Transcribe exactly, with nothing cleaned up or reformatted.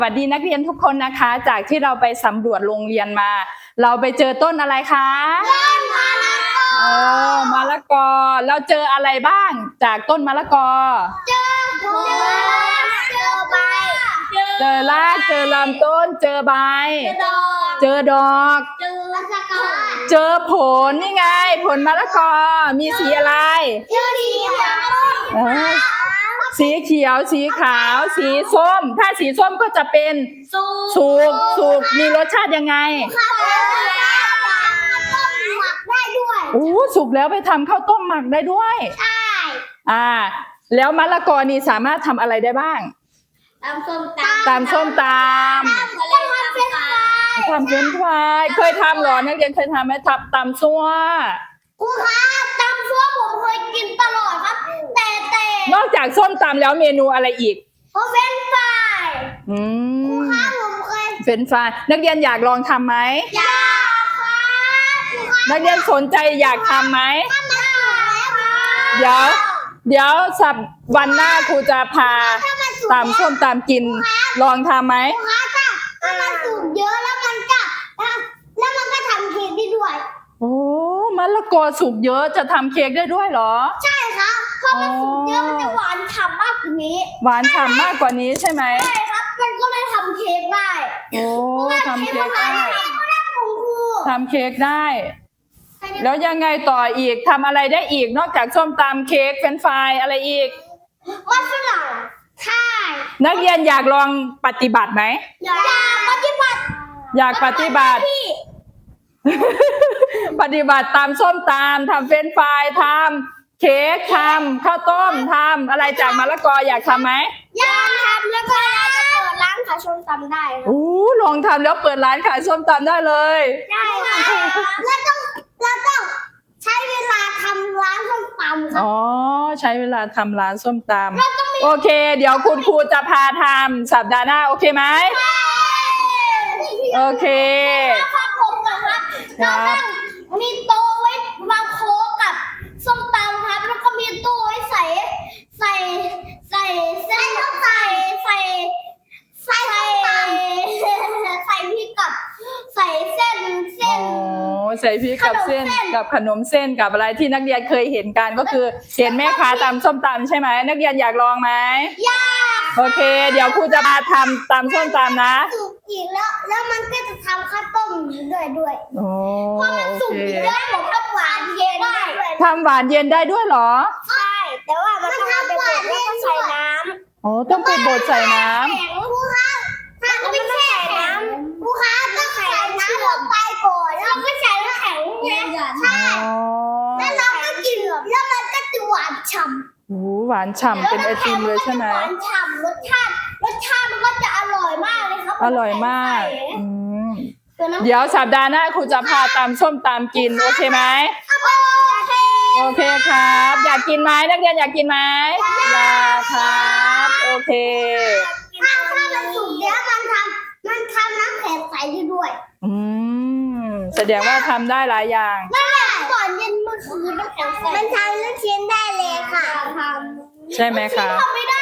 สวัสดีนักเรียนทุกคนนะคะจากที่เราไปสำรวจโรงเรียนมา เราไปเจอต้นอะไรคะต้นมะละกอเออมะละกอเราเจออะไรบ้างจากต้นมะละกอเจอผลเจอใบเจอรากเจอลำต้นเจอใบเจอดอกเจอมะละกอเจอผลนี่ไงผลมะละกอมีสีอะไรเจอสีเขียวสีเขียวสีขาวสีส้มถ้าสีส้มก็จะเป็นสุกสุกมีรสชาติยังไงหมักได้ด้วยโอ้สุกแล้วไปทำข้าวต้มหมักได้ด้วยใช่อ่าแล้วมะละกอนี่สามารถทำอะไรได้บ้างตำส้มตำตำส้มตำทำเฟรนช์ฟรายเคยทำหรอนักเรียนเคยทำไหมทำตำซั่วครูคะตำซั่วผมเคยกินตลอดครับแต่แต่นอกจากส้มตำแล้วเมนูอะไรอีกเฟรนช์ฟรายอืมครูคะผมเคยเฟรนช์ฟรายนักเรียนอยากลองทำไหมอยากค่ะนักเรียนสนใจอยากทำไหมทำได้เดี๋ยวเดี๋ยวสัปวันหน้าครูจะพาตำส้มตำกินลองทำไหมครูคะถ้าถ้ามันสุกเยอะแล้วมันก็แล้วมันก็ทำเค้กได้ด้วยโอ้มะละกอสุกเยอะจะทำเค้กได้ด้วยเหรอใช่ครับเพราะมันสุกเยอะมันจะหวานฉ่ำมากกว่านี้หวานฉ่ำมากกว่านี้ใช่ไหมใช่ครับมันก็เลยทำเค้กได้โอ้ทำเค้กได้ทำเค้กได้แล้วยังไงต่ออีกทำอะไรได้อีกนอกจากส้มตำเค้กเฟรนช์ฟรายอะไรอีกมัสมั่นใช่นักเรียนอยากลองปฏิบัติไหมอยากปฏิบัติอยากปฏิบัติปฏิบัติตามส้มตำทำเฟรนช์ฟรายทำเค้กทำข้าวต้มทำอะไรจากมะละกออยากทำไหมอยากทำแล้วก็เราจะเปิดร้านขายส้มตำได้โอ้ลองทำแล้วเปิดร้านขายส้มตำได้เลยใช่ค่ะแล้วต้องแล้วต้องใช้เวลาทำร้านส้มตำอ๋อใช้เวลาทำร้านส้มตำโอเคเดี๋ยวคุณครูจะพาทำสัปดาห์หน้าโอเคไหมโอเคครับผมนะครับเราต้องมีโต๊ะไว้วางโค้กกับส้มตำครับแล้วก็มีตู้ไว้ใส่ใส่ใส่เส้นใส่ใส่ใส่ใส่ใส่พริกกับใส่เส้นเส้นอ๋อใส่พริกกับเส้นกับขนมเส้นกับอะไรที่นักเรียนเคยเห็นกันก็คือเห็นแม่ค้าตำส้มตำใช่ไหมนักเรียนอยากลองไหมอยากโอเคเดี๋ยวครูจะมาทำตำส้มตำนะสุกอีกแล้วแล้วมันก็จะทำข้าวต้มด้วยด้วยโอ้เพราะมันสุกอีกแล้วผมทำหวานเย็นได้ทำหวานเย็นได้ด้วยเหรอใช่แต่ว่ามันทำหวานเย็นใส่น้ำอ๋อต้องไปบดใส่น้ำครูคะถ้าไม่ใส่น้ำครูคะต้องใส่น้ำลงไปก่อนแล้วก็ใส่น้ำแข็งเนี่ยใช่แล้วเราก็กินแล้วมันก็จะหวานฉ่ำโอ้หวานฉ่ำเป็นไอติมเลยใช่ไหมหวานฉ่ำรสชาติรสชาติมันก็จะอร่อยมากเลยครับอร่อยมากอืมเดี๋ยวสัปดาห์หน้าครูจะพาตำส้มตำกินโอเคไหมโอเคครับอยากกินไหมนักเรียนอยากกินไหมอยากครับโอเคถ้าถ้ามันสุกแล้วมันทำมันทำน้ำแข็งใสได้ด้วยอืมแสดงว่าทำได้หลายอย่างไม่แหละก่อนเย็นเมื่อคืนน้ำแข็งใสมันทำลูกชิ้นได้เลยค่ะใช่ไหมคะทำไม่ได้